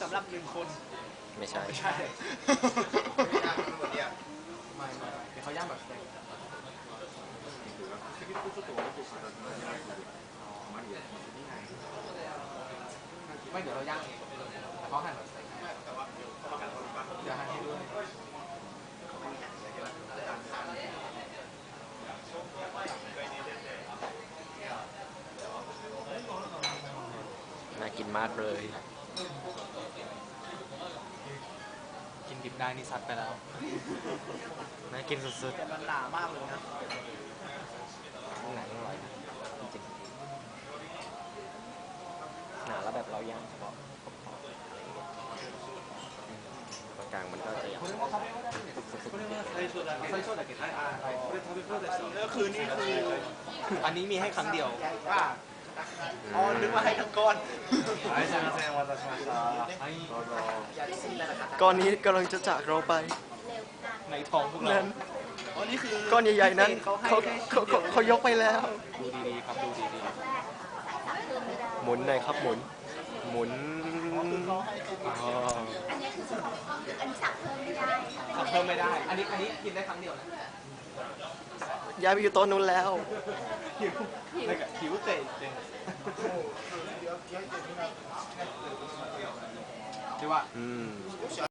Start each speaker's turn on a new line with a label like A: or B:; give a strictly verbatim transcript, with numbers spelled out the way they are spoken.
A: ำหรับหนึ่งคน
B: ไม่ใช่
A: ไม่ใช่ไม่ไม่เดี๋ยวเขาย่างแบบสเต็กไม่เดี๋ยวเราย่างเองแต่เขาหั่นแบบสเต็กเดี๋ยวหั่นให้ด้วย
B: น่ากินมากเลย
A: กินดิบได้นี่ซัดไปแล้ว
B: น่ากินสุด
A: แต่มันหนามากเลยนะ
B: ๆหนังอร่อยนะจริงๆหนาแล้วแบบเราย่างเฉพาะขอบๆอะไรอย่างเงี้ยอืมตรงกลางมันก็จะสุกๆๆ
A: 最初だけ最初だけはいはいこれ食べ放題したก็คือนี่คืออันนี้มีให้ครั้งเดียวว่าอ๋อนึกว่าให้ทั้งก้อนはいすみませんお待たせしましたはいどうぞ
B: ก้อนนี้กำลังจะจากเราไป
A: ในท้องพวกเรา
B: นั้น
A: อ๋อนี่คือ
B: ก้อนใหญ่ๆนั้น
A: เขาให้
B: เขา
A: แค่
B: เขาเขาเขายกไปแล้ว
A: ดูดีๆครับดูดี
B: หมุนหน่อยครับหมุน หมุน
A: ๆเขาให้แค่
B: อ๋อ
C: อันนี้คือส่วนของอันนี้สั่งเพิ่มไม่ได้
A: สั่งเพิ่มไม่ได้ อันนี้อันนี้กินได้ครั้งเดียวนะ
B: ย้ายไปอยู่โต๊ะนู้นแล้ว
A: หิวหิวเตะเตะดีว่า
B: อืม